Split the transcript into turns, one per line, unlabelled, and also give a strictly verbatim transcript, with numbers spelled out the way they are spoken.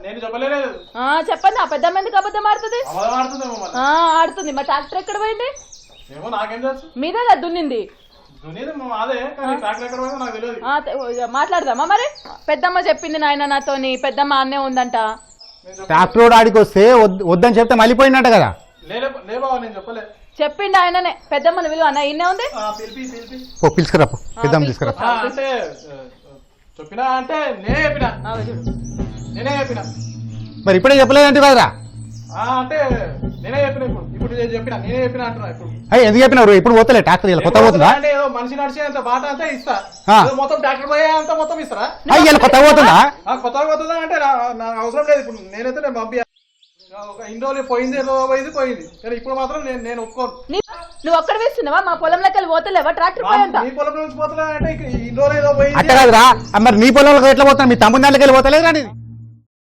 నేను చెప్పలేదు.
చెప్పండి ఆ పెద్దమ్మ ఎందుకు అబద్ధం ఆడుతుంది? ఆడుతుంది. మా ట్రాక్టర్ ఎక్కడ పోయింది?
ఏమో నాకేం తెలుసు.
మీదే కదా దున్నింది. మాట్లాడదామా మరి? పెద్దమ్మ చెప్పింది నాయన నాతోని, పెద్దమ్మ అన్నే ఉందంట.
ట్రాక్టర్ ఆడికి వస్తే వద్దని చెప్తే మళ్ళీ పోయిందంట కదా.
చెప్పిండు ఆయననే. పెద్దమ్మని విలువ అన్న ఇన్నే ఉంది.
పిలుచుకురా పెద్దమ్మ తీసుకురా.
చెప్పినా అంటే నేనే చెప్పినా నేనే చెప్పినా
మరి ఇప్పుడే చెప్పలేదంటే కదరా?
అంటే నేనే చెప్పిన ఇప్పుడు ఇప్పుడు చెప్పినా నేనే చెప్పినా అంటున్నా. ఇప్పుడు
ఎందుకు చెప్పినారు? ఇప్పుడు పోతలే ట్రాక్టర్ కొత్త పోతుందా?
అంటే ఏదో మనిషి నడిచేంత బాట అంతా ఇస్తా, మొత్తం ట్రాక్టర్ పోయే అంత మొత్తం ఇస్తారా?
అయ్యా కొత్త పోతుందా?
కొత్తగా పోతుందా అంటే నాకు అవసరం లేదు. ఇప్పుడు నేనైతే నేను పంపి ఇన్ని రోజులు పోయింది పోయింది పోయింది కానీ ఇప్పుడు మాత్రం నేను నేను ఒప్పుకోను.
నువ్వు ఒక్కడ వేస్తున్నావా? మా పొలంలోకి వెళ్ళి పోతలేవా ట్రాక్టర్ పోయంత?
నీ పొలం నుంచి పోతలే అంటే ఇన్ని రోజులు ఏదో పోయింది
అట్ట కాదురా. మరి నీ పొలంలోకి ఎట్లా పోతున్నా? మీ తమ్ముడి దాంట్లోకి వెళ్ళి పోతలేదు రా.